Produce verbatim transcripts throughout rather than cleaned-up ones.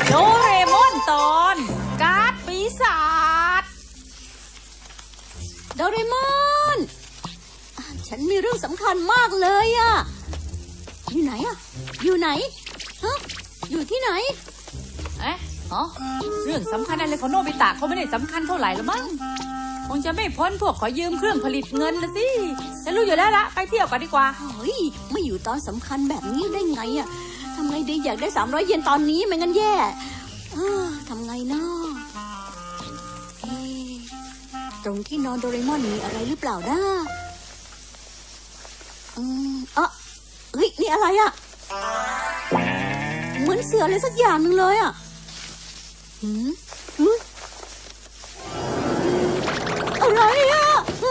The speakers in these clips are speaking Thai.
โดเรมอนตอนการ์ดปีศาจโดเรมอนฉันมีเรื่องสำคัญมากเลยอะอยู่ไหนอะอยู่ไหนฮะอยู่ที่ไหนเอ๊ะอ๋อเรื่องสำคัญอะไรของโนบิตะเขาไม่ได้สำคัญเท่าไหร่หรอกมั้งคงจะไม่พ้นพวกขอยืมเครื่องผลิตเงินละสิฉันรู้อยู่แล้วละไปเที่ยวกันดีกว่าเฮ้ยไม่อยู่ตอนสำคัญแบบนี้ได้ไงอะทำไงดีอยากได้สามร้อยเยนตอนนี้ไม่งั้นแย่ทำไงเนาะตรงที่นอนโดเรมอนมีอะไรหรือเปล่านะอืมอ่ะเฮ้ยนี่อะไรอะเหมือนเสืออะไรสักอย่างหนึ่งเลยอะหืมหืมอะไรอะ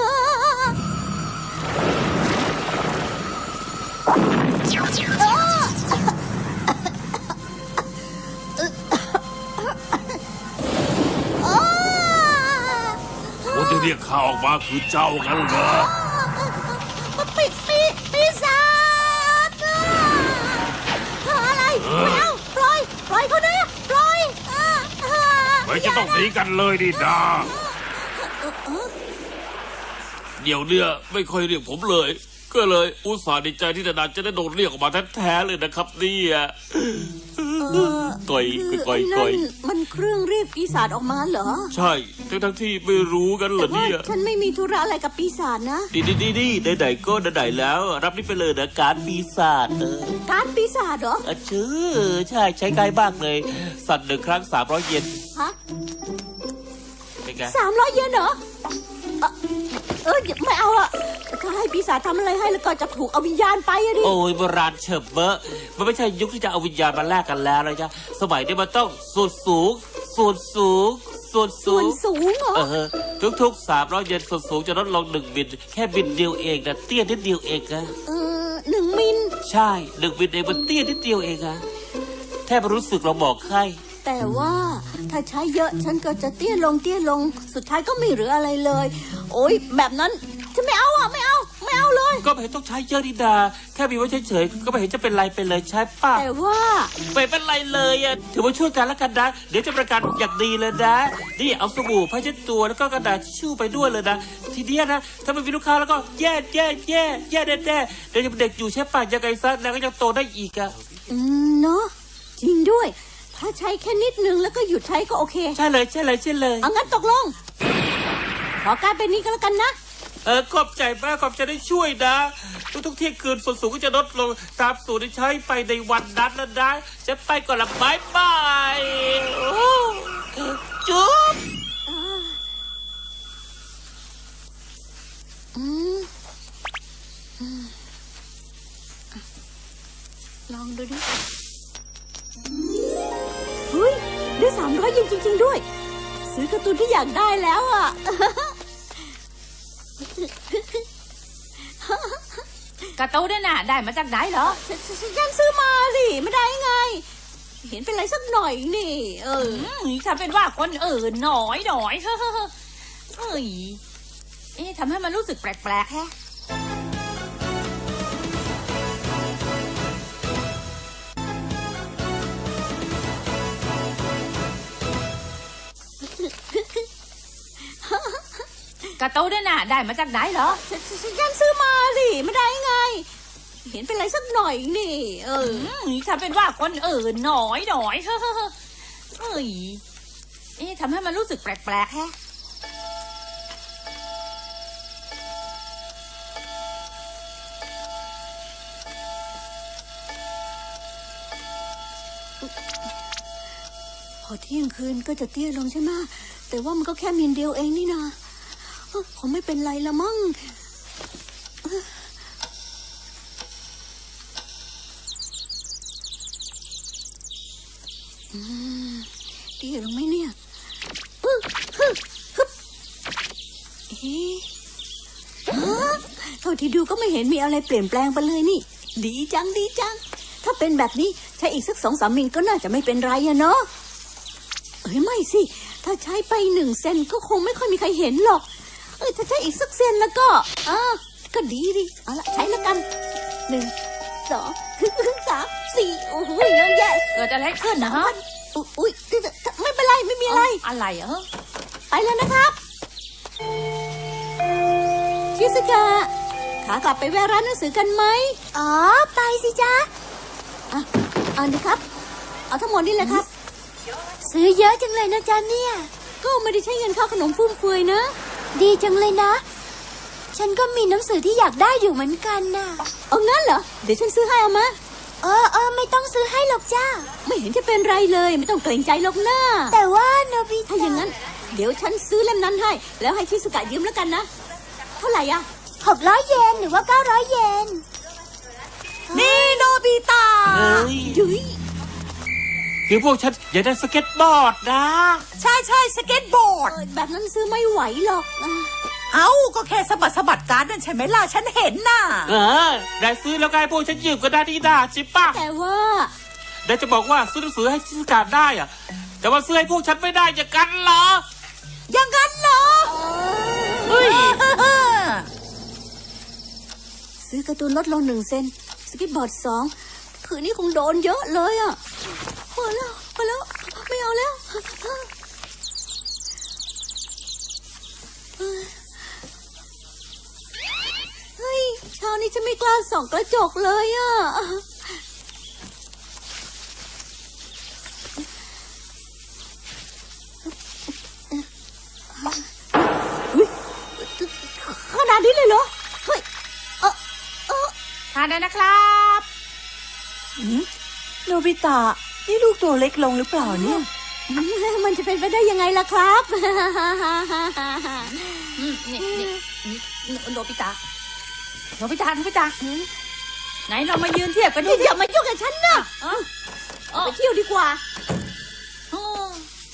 คนที่เรียกข้าออกมาคือเจ้ากันเหรอปีปีปีศาจอะไรไม่เอาปล่อยปล่อยเขาด้วยปล่อยไม่จะต้องหนีกันเลยดิดาเดี๋ยวเนี่ยไม่ค่อยเรียกผมเลยก็เลยอุตส่าห์ดีใจที่ดาจะได้โดนเรียกออกมาแท้ๆเลยนะครับเนี่ยก่อยก่อยก่อยมันเครื่องเรียกปีศาจออกมาเหรอใช่ทั้งทั้งที่ไม่รู้กันเหรอเนี่ยฉันไม่มีธุระอะไรกับปีศาจนะดีดีดีดีได้ไหนก็ได้ไหนแล้วรับนี่ไปเลยนะการปีศาจเออการปีศาจเหรอชื่อใช่ใช้ง่ายมากเลยสั่นหนึ่งครั้งสามร้อยเยนฮะสามร้อยเยนเหรอเออไม่เอาอะถ้าให้ปีศาจทำอะไรให้แล้วก็จะถูกเอาวิญญาณไปอะดิโอ้ยโบราณเฉิบเบอะมันไม่ใช่ยุคที่จะเอาวิญญาณมาแลกกันแล้วเลยจ้ะสมัยนี้มันต้องส่วนสูงส่วนสูงส่วนสูงสูงเหรอเออทุกๆสามร้อยเยนส่วนสูงจะลดลงหนึ่งมิลแค่มิลเดียวเองนะเตี้ยนิดเดียวเองนะเออหนึ่งมิลใช่หนึ่งมิลเองมันเตี้ยนิดเดียวเองอะแทบรู้สึกเราบอกให้แต่ว่าถ้าใช้เยอะฉันก็จะเตี้ยลงเตี้ยลงสุดท้ายก็ไม่เหลืออะไรเลยโอ๊ยแบบนั้นฉันไม่เอาอ่ะไม่เอาไม่เอาเลยก็ไม่เห็นต้องใช้เยอะดิดาแค่มีไว้เฉยๆก็ไม่เห็นจะเป็นไรไปเลยใช่ป่ะแต่ว่าไม่เป็นไรเลยอ่ะถือว่าช่วยกันแล้วกันนะเดี๋ยวจะประกันอย่างดีเลยนะนี่เอาสบู่ผ้าเช็ดตัวแล้วก็กระดาษทิชชู่ไปด้วยเลยนะทีเดียวนะถ้าไม่มีลูกค้าแล้วก็แย่แย่แย่แย่แน่แน่เดี๋ยวจะเป็นเด็กอยู่ใช่ป่ะยังไงซะแล้วก็ยังโตได้อีกอ่ะอืมเนาะจริงด้วยถ้าใช้แค่นิดนึงแล้วก็หยุดใช้ก็โอเคใช่เลยใช่เลยใช่เลยเอางั้นตกลงขอการเป็นนี้ก็แล้วกันนะเออขอบใจมากขอบใจได้ช่วยนะทุกๆเที่ยงคืนส่วนสูงก็จะลดลงตามสูตรที่ใช้ไปในวันนั้นแล้วนะจะไปก่อนละบายบายจุ๊บลองดูดิเฮ้ยได้สามร้อยเยนจริงๆด้วยซื้อการ์ตูนที่อยากได้แล้วอ่ะการ์ตูนเนี่ยน่ะได้มาจากไหนเหรอฉันซื้อมาสิไม่ได้ไงเห็นเป็นไรสักหน่อยนี่เออทำเป็นว่าคนอื่นหน่อยหน่อยเฮ้ยเฮ้ยเอ๊ะทำให้มันรู้สึกแปลกๆแฮะการ์ตูนเนี่ยน่ะได้มาจากไหนเหรอฉันซื้อมาสิไม่ได้ไงเห็นเป็นไรสักหน่อยนี่เออทำเป็นว่าคนอื่นหน่อยหน่อยเฮ้ยเฮ้ยเอ๊ะทำให้มันรู้สึกแปลกๆแฮะพอเที่ยงคืนก็จะเตี้ยลงใช่ไหมแต่ว่ามันก็แค่มิลเดียวเองนี่นะคงไม่เป็นไรละมั้งเตี้ยลงไหมเนี่ยฮึฮึฮึเอ๊ะเท่าที่ดูก็ไม่เห็นมีอะไรเปลี่ยนแปลงไปเลยนี่ดีจังดีจังถ้าเป็นแบบนี้ใช้อีกสักสองสามมิลก็น่าจะไม่เป็นไรอะเนาะเอ้ยไม่สิถ้าใช้ไปหนึ่งเซนก็คงไม่ค่อยมีใครเห็นหรอกเออถ้าใช้อีกสักเซนแล้วก็อ่าก็ดีดิเอาละใช้แล้วกันหนึ่งสองสามสี่โอ้โหเยอะแยะเกิดอะไรขึ้นนะฮะอุ๊ยอุ๊ยไม่เป็นไรไม่มีอะไรอะไรเหรอไปแล้วนะครับชิสกะขากลับไปแวะร้านหนังสือกันไหมอ๋อไปสิจ๊ะอ่ะเอาดิครับเอาทั้งหมดนี่แหละครับซื้อเยอะจังเลยนะจ๊ะเนี่ยก็ไม่ได้ใช้เงินค่าขนมฟุ่มเฟือยนะ ดีจังเลยนะ ฉันก็มีหนังสือที่อยากได้อยู่เหมือนกันน่ะเอางั้นเหรอเดี๋ยวฉันซื้อให้เอามาเออเออไม่ต้องซื้อให้หรอกจ้าไม่เห็นจะเป็นไรเลยไม่ต้องเกรงใจหรอกนะแต่ว่าโนบิถ้าอย่างนั้นเดี๋ยวฉันซื้อเล่มนั้นให้แล้วให้ชิสุกะยืมแล้วกันนะเท่าไหร่อะหกร้อยเยนหรือว่าเก้าร้อยเยนนี่โนบิตะเฮ้ยยุ้ยคือพวกฉันอยากได้สเก็ตบอร์ดนะใช่ใช่สเก็ตบอร์ดเออแบบนั้นซื้อไม่ไหวหรอกอ่ะเอ้าก็แค่สะบัดสะบัดการ์ดนั่นใช่ไหมล่ะฉันเห็นน่ะเออได้ซื้อแล้วไงพวกฉันยืมก็ได้ดีดาใช่ปะแต่ว่าได้จะบอกว่าซื้อหนังสือให้ชิสกาได้อะแต่ว่าซื้อให้พวกฉันไม่ได้อย่างกันเหรออย่างนั้นเหรอเฮ้ยซื้อการ์ตูนลดลงหนึ่งเซนสเก็ตบอร์ดสองคืนนี้คงโดนเยอะเลยอ่ะพอแล้วพอแล้วไม่เอาแล้วเฮ้ยเช้านี้ฉันไม่กล้าส่องกระจกเลยอ่ะขนาดนี้เลยเหรอเฮ้ยเออเออทานได้นะครับโนบิตะนี่ลูกตัวเล็กลงหรือเปล่าเนี่ยมันจะเป็นไปได้ยังไงล่ะครับอืมนี่นี่นี่โนบิตะโนบิตะโนบิตะไหนเรามายืนเทียบกันดูอย่ามายุ่งกับฉันนะเออเออไปเที่ยวดีกว่าเออ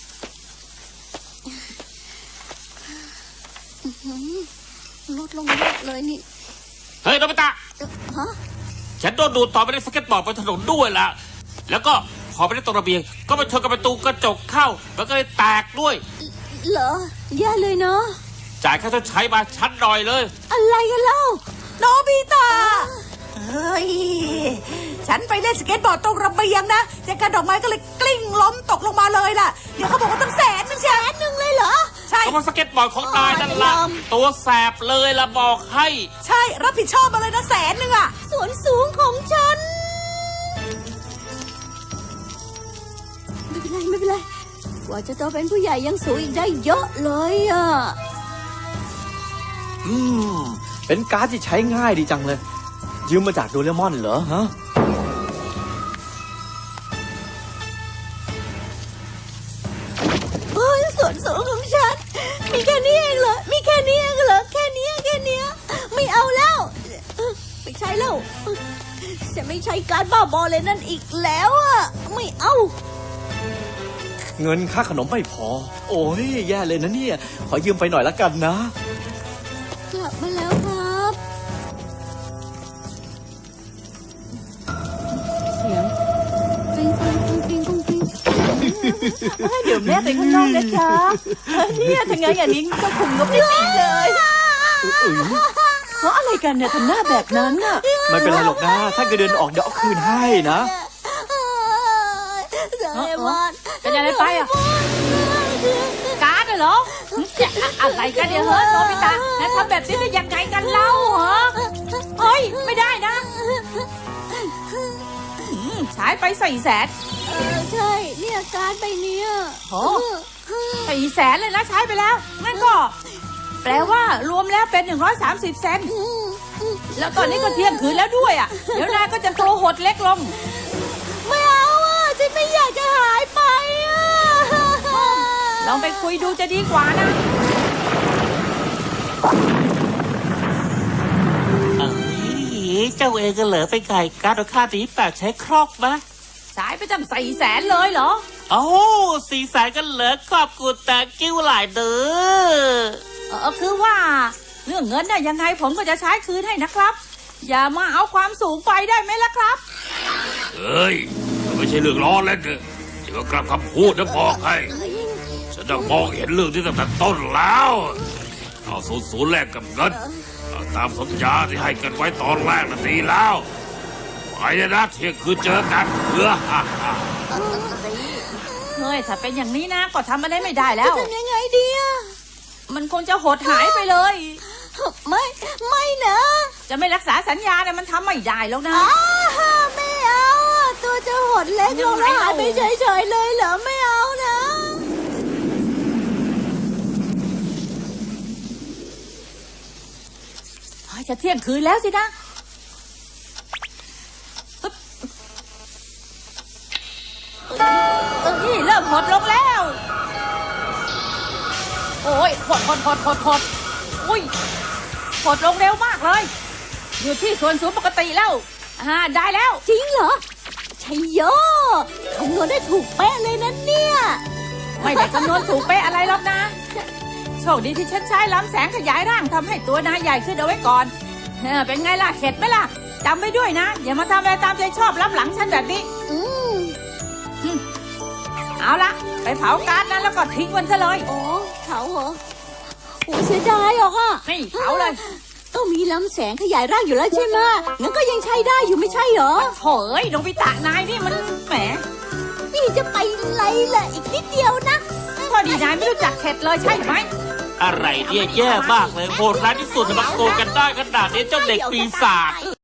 ลดลงเยอะเลยนี่เฮ้ยโนบิตะเอ่อฮะฉันโดนดูดต่อไปในสเก็ตบอร์ดบนถนนด้วยล่ะ แล้วก็พอไปได้ตรงระเบียงก็ไปชนกับประตูกระจกเข้ามันก็เลยแตกด้วยเหรอแย่เลยเนาะจ่ายค่าชดใช้มาชั้นหน่อยเลยอะไรกันเล่าโนบิตะเฮ้ยฉันไปเล่นสเก็ตบอร์ดตรงระเบียงนะแจกันดอกไม้ก็เลยกลิ้งล้มตกลงมาเลยล่ะเดี๋ยวเขาบอกว่าตั้งแสนนึงแสนหนึ่งเลยเหรอใช่ก็เพราะสเก็ตบอร์ดของนายนั่นละตัวแสบเลยละบอกให้ใช่รับผิดชอบมาเลยนะแสนหนึ่งอ่ะส่วนสูงของฉัน ไม่เป็นไรไม่เป็นไรกว่าจะโตเป็นผู้ใหญ่ยังสูงอีกได้เยอะเลยอ่ะอืม เป็นการ์ดที่ใช้ง่ายดีจังเลย ยืมมาจากโดเรมอนเหรอฮะโอ้ยส่วนสูงของฉัน มีแค่นี้เองเหรอ มีแค่นี้เองเหรอ แค่นี้แค่นี้ไม่เอาแล้วเออไม่ใช่แล้วจะไม่ใช้การบ้าบอเลยนั่นอีกแล้วอ่ะ ไม่เอาเงินค่าขนมไม่พอ โอ้ยแย่เลยนะเนี่ย ขอยืมไปหน่อยละกันนะกลับมาแล้วครับ เสียงกริ๊งกริ๊งกริ๊งกริ๊งกริ๊งกริ๊งเดี๋ยวแม่ไปข้างนอกนะจ๊ะเออเนี่ยถ้างั้นอย่างนี้ก็คุมงบไม่ดีเลยเพราะอะไรกันเนี่ยทำหน้าแบบนั้นน่ะไม่เป็นไรหรอกนะ ถ้าเกิดเดินออกเดี๋ยวเอาคืนให้นะโดเรมอนเป็นอะไรไปอ่ะ การ์ดเหรอเนี่ยอะอะไรกันเนี่ยเฮ้ยโนบิตะแล้วทำแบบนี้ได้ยังไงกันเล่าเหรอเฮ้ยไม่ได้นะอืมใช้ไปสี่แสนเออใช่ เนี่ยการ์ดใบเนี้ยโอ้ สี่แสนเลยนะใช้ไปแล้วงั้นก็ แปลว่ารวมแล้วเป็นหนึ่งร้อยสามสิบเซนแล้วตอนนี้ก็เที่ยงคืนแล้วด้วยอ่ะเดี๋ยวนายก็จะตัวหดเล็กลงไม่เอาอ่ะฉันไม่อยากจะหายไปอ่ะลองไปคุยดูจะดีกว่านะเอ้ยเจ้าเองก็เหลือไปไก่การ์ดค่าตีแปดใช้ครอกมะใช้ไปตั้งสี่แสนเลยเหรอโอ้สี่แสนก็เหลือขอบคุณแต่กิ้วหลายเด้อเออคือว่า เรื่องเงินน่ะยังไงผมก็จะใช้คืนให้นะครับ อย่ามาเอาความสูงไปได้ไหมล่ะครับเฮ้ยมันไม่ใช่เรื่องล้อเล่นเลยเดี๋ยวกลับคำพูดนะบอกให้ฉันจะมองเห็นเรื่องที่ตั้งแต่ต้นแล้ว เอาศูนย์ศูนย์แลกกับเงินเอาตามสัญญาที่ให้กันไว้ตอนแรกนั่นดีแล้วไปเลยนะเที่ยงคืนเจอกันเออฮ่าฮ่าเฮ้ยถ้าเป็นอย่างนี้นะก็ทำอะไรไม่ได้แล้จะวทำยังไงดีอะมันคงจะหดหายไปเลยไม่ไม่นะจะไม่รักษาสัญญาเนี่ยมันทำไม่ได้แล้วนะอ้าไม่เอาอะตัวจะหดเล็กลงแล้วหายไปเฉยๆเลยเหรอไม่เอานะเฮ้ยจะเที่ยงคืนแล้วสินะปึ๊บเอ้ยเริ่มหดลงแล้ว โอ้ยหดหดหดหดหดอุ้ยหดลงเร็วมากเลย อยู่ที่ส่วนสูงปกติแล้ว อ่า ได้แล้วจริงเหรอชัยโยคำนวณได้ถูกเป๊ะเลยนะเนี่ยไม่ได้คำนวณถูกเป๊ะอะไรหรอกนะ โชคดีที่ฉันใช้ล้ำแสงขยายร่างทำให้ตัวนายใหญ่ขึ้นเอาไว้ก่อนเออเป็นไงล่ะเข็ดไหมล่ะจำไว้ด้วยนะ อย่ามาทำอะไรตามใจชอบล้ำหลังฉันแบบนี้อืมเอาละไปเผาการ์ดนั้นแล้วก็ทิ้งมันซะเลยโอ้เขาเหรอโอ้เสียดายหรอกอ่ะนี่เผาเลยก็มีลำแสงขยายร่างอยู่แล้วใช่ไหมงั้นก็ยังใช้ได้อยู่ไม่ใช่เหรอโถเอ้ยโนบิตะนายนี่มันแหมนี่จะไปไรล่ะอีกนิดเดียวนะพอดีนายไม่รู้จักเข็ดเลยใช่ไหมอะไรเนี่ยแย่มากเลยโหดร้ายที่สุดมาโกงกันได้ขนาดนี้เจ้าเด็กปีศาจ